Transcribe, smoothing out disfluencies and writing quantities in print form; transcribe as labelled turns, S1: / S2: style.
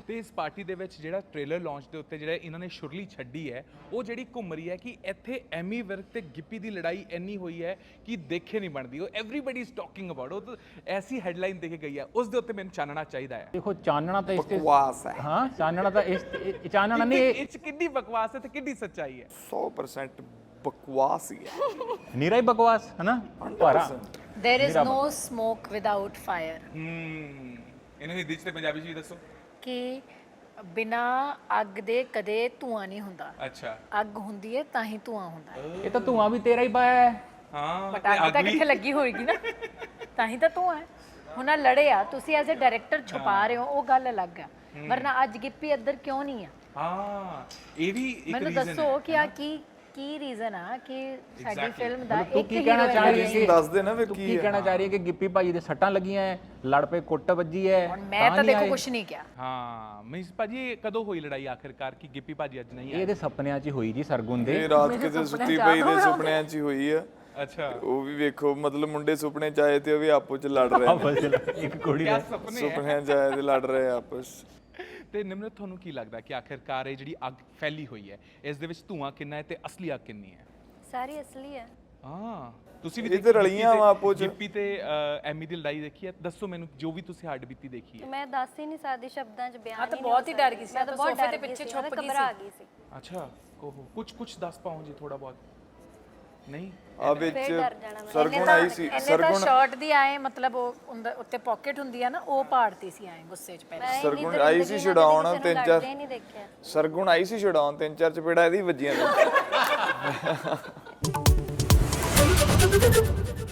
S1: ਤੇ ਇਸ ਪਾਰਟੀ ਦੇ ਵਿੱਚ ਜਿਹੜਾ ਟ੍ਰੇਲਰ ਲਾਂਚ ਦੇ ਉੱਤੇ ਜਿਹੜਾ ਇਹਨਾਂ ਨੇ ਸ਼ੁਰਲੀ ਛੱਡੀ ਹੈ ਉਹ ਜਿਹੜੀ ਘੁੰਮ ਰਹੀ ਹੈ ਕਿ ਇੱਥੇ ਐਮੀ ਵਿਰਕ ਤੇ ਗਿੱਪੀ ਦੀ ਲੜਾਈ ਇੰਨੀ ਹੋਈ ਹੈ ਕਿ ਦੇਖੇ ਨਹੀਂ ਬਣਦੀ। ਉਹ ਐਵਰੀਬਾਡੀ ਇਜ਼ ਟਾਕਿੰਗ ਅਬਾਊਟ ਉਹ ਤਾਂ ਐਸੀ ਹੈਡਲਾਈਨ ਦੇ ਕੇ ਗਈ ਹੈ, ਉਸ ਦੇ ਉੱਤੇ ਮੈਨੂੰ ਚਾਨਣਾ ਚਾਹੀਦਾ ਹੈ।
S2: ਦੇਖੋ ਚਾਨਣਾ ਤਾਂ ਇਸ ਤੇ
S3: ਬਕਵਾਸ ਹੈ।
S2: ਹਾਂ ਚਾਨਣਾ ਤਾਂ ਇਸ ਚਾਨਣਾ ਨਹੀਂ
S1: ਇਹ 'ਚ ਕਿੰਨੀ ਬਕਵਾਸ ਹੈ ਤੇ ਕਿੰਨੀ ਸੱਚਾਈ ਹੈ?
S3: 100% ਬਕਵਾਸ ਹੀ ਹੈ।
S2: ਨੀਰਾ ਹੀ ਬਕਵਾਸ ਹੈ ਨਾ ਭਾਰਾ।
S4: There is no smoke without fire.
S1: ਇਹਨੂੰ ਹਿੰਦੀ 'ਚ ਤੇ ਪੰਜਾਬੀ 'ਚ ਵੀ ਦੱਸੋ।
S4: ਕਿ ਬਿਨਾ ਅੱਗ ਦੇ ਕਦੇ ਧੂਆਂ ਨਹੀਂ ਹੁੰਦਾ।
S1: ਅੱਛਾ।
S4: ਅੱਗ ਹੁੰਦੀ ਹੈ ਤਾਂ ਹੀ ਧੂਆਂ ਹੁੰਦਾ ਹੈ।
S2: ਇਹ ਤਾਂ ਧੂਆਂ ਵੀ ਤੇਰਾ ਹੀ ਪਾਇਆ ਹੈ।
S1: ਹਾਂ
S4: ਬਟ ਅੱਗ ਤਾਂ ਕਿੱਥੇ ਲੱਗੀ ਹੋਏਗੀ ਨਾ, ਤਾਂ ਹੀ ਤਾਂ ਧੂਆਂ ਹੈ। ਹੁਣ ਆਹ ਲੜੇ ਆ, ਤੁਸੀਂ ਐਜ਼ ਅ ਡਾਇਰੈਕਟਰ ਛੁਪਾ ਰਹੇ ਹੋ, ਉਹ ਗੱਲ ਅਲੱਗ ਆ। ਵਰਨਾ ਅੱਜ ਗਿੱਪੀ ਇੱਧਰ ਕਿਉਂ ਨਹੀਂ ਆ?
S1: ਹਾਂ ਇਹ ਵੀ ਇੱਕ
S4: ਮੈਨੂੰ
S1: ਰੀਜ਼ਨ
S4: ਦੱਸੋ ਕਿ ਆ ਕੀ ਰੀਜ਼ਨ ਆ ਕਿ ਸਾਡੀ ਫਿਲਮ ਦਾ
S2: ਤੂੰ
S4: ਇੱਕ
S2: ਕੀ ਕਹਿਣਾ ਚਾਹ ਰਹੀ ਹੈ ਕਿ
S3: ਦੱਸ ਦੇ ਨਾ ਫਿਰ
S2: ਤੂੰ
S3: ਕੀ
S2: ਕੀ ਕਹਿਣਾ ਚਾਹ ਰਹੀ ਹੈ ਕਿ ਗਿੱਪੀ ਭਾਜੀ ਦੇ ਸੱਟਾਂ ਲੱਗੀਆਂ ਹੈ, ਲੜ ਪਏ, ਕੁੱਟ ਵੱਜੀ ਹੈ?
S4: ਹੁਣ ਮੈਂ ਤਾਂ ਦੇਖੋ ਕੁਝ ਨਹੀਂ ਕਿਹਾ।
S1: ਹਾਂ ਮੀਨਸ ਭਾਜੀ ਇਹ ਕਦੋਂ ਹੋਈ ਲੜਾਈ ਆਖਿਰਕਾਰ ਕਿ ਗਿੱਪੀ ਭਾਜੀ ਅੱਜ ਨਹੀਂ ਆਏ?
S2: ਇਹਦੇ ਸੁਪਨਿਆਂ 'ਚ ਹੀ ਹੋਈ ਜੀ ਸਰਗੁਣ ਦੇ।
S3: ਇਹ ਰਾਤ ਕਿਤੇ ਸੁੱਤੀ ਪਈ ਦੇ ਸੁਪਨਿਆਂ 'ਚ ਹੀ ਹੋਈ ਆ।
S1: ਅੱਛਾ
S3: ਉਹ ਵੀ ਵੇਖੋ, ਮਤਲਬ ਮੁੰਡੇ ਸੁਪਨੇ ਚ ਆਏ ਤੇ ਉਹ ਵੀ ਆਪੋ ਚ ਲੜ ਰਹੇ ਨੇ।
S2: ਇੱਕ ਕੁੜੀ
S1: ਕਿਆ
S2: ਦਾ
S1: ਸੁਪਨੇ ਹੈ?
S3: ਸੁਪਨਿਆਂ ਚ ਆਏ ਤੇ ਲੜ ਰਹੇ ਆਪਸ।
S1: ਤੇ ਨਿਮਰਤ ਤੁਹਾਨੂੰ ਕੀ ਲੱਗਦਾ ਕਿ ਆਖਿਰਕਾਰ ਇਹ ਜਿਹੜੀ ਅੱਗ ਫੈਲੀ ਹੋਈ ਹੈ ਇਸ ਦੇ ਵਿੱਚ ਧੂਆਂ ਕਿੰਨਾ ਹੈ ਤੇ ਅਸਲੀ ਅੱਗ ਕਿੰਨੀ ਹੈ?
S4: ਸਾਰੀ ਅਸਲੀ ਹੈ।
S1: ਹਾਂ ਤੁਸੀਂ ਵੀ
S3: ਇਹ ਤੇ ਰਲੀਆਂ ਵਾ ਆਪੋ ਚ।
S1: ਗਿੱਪੀ ਤੇ ਐਮੀ ਦੀ ਲੜਾਈ ਦੇਖੀ ਹੈ? ਦੱਸੋ ਮੈਨੂੰ ਜੋ ਵੀ ਤੁਸੀਂ ਹੱਡ ਬੀਤੀ ਦੇਖੀ ਹੈ।
S5: ਮੈਂ ਦੱਸ ਹੀ ਨਹੀਂ ਸਕਦੀ ਸ਼ਬਦਾਂ 'ਚ ਬਿਆਨ
S4: ਹਾਂ ਤਾਂ
S5: ਹੀ
S4: ਬਹੁਤ ਹੀ ਡਰ ਗਈ ਸੀ,
S5: ਮੈਂ
S4: ਤਾਂ
S5: ਬਹੁਤ
S4: ਸੋਫੇ
S5: ਡਰ
S4: ਤੇ
S5: ਗਈ
S4: ਪਿੱਛੇ
S5: ਸੀ,
S4: ਛੁਪ
S5: ਮੈਂ
S4: ਗਈ
S5: ਘਬਰਾ
S4: ਸੀ।
S5: ਗਈ ਸੀ।
S1: ਅੱਛਾ ਕੋਹ ਕੁਝ ਦੱਸ ਪਾਓ ਜੀ ਥੋੜਾ ਬਹੁਤ। ਨਹੀਂ
S3: ਆ ਵਿੱਚ
S5: ਫੇਰ ਡਰ ਜਾਣਾ ਮੈਂ।
S3: ਸਰਗੁਣ ਆਈ ਸੀ।
S4: ਇਹਨੇ ਤਾਂ
S3: ਸਰਗੁਣ
S4: ਸ਼ਰਟ ਦੀ ਆਏ ਮਤਲਬ ਉਹ ਉੱਤੇ ਪਾਕਟ ਹੁੰਦੀ ਆ ਨਾ, ਉਹ ਪਾੜਤੀ ਸੀ ਆਏ ਗੁੱਸੇ 'ਚ ਪਹਿਲਾਂ।
S5: ਮੈਂ
S3: ਸਰਗੁਣ ਆਈ ਸੀ ਛਡਾਉਣ ਤਿੰਨ ਚਾਰ।
S5: ਨਹੀਂ ਦੇਖਿਆ।
S3: ਸਰਗੁਣ ਆਈ ਸੀ ਛਡਾਉਣ ਤਿੰਨ ਚਾਰ ਚਪੇੜਾ ਇਹਦੀ ਵੱਜੀਆਂ ਨੇ।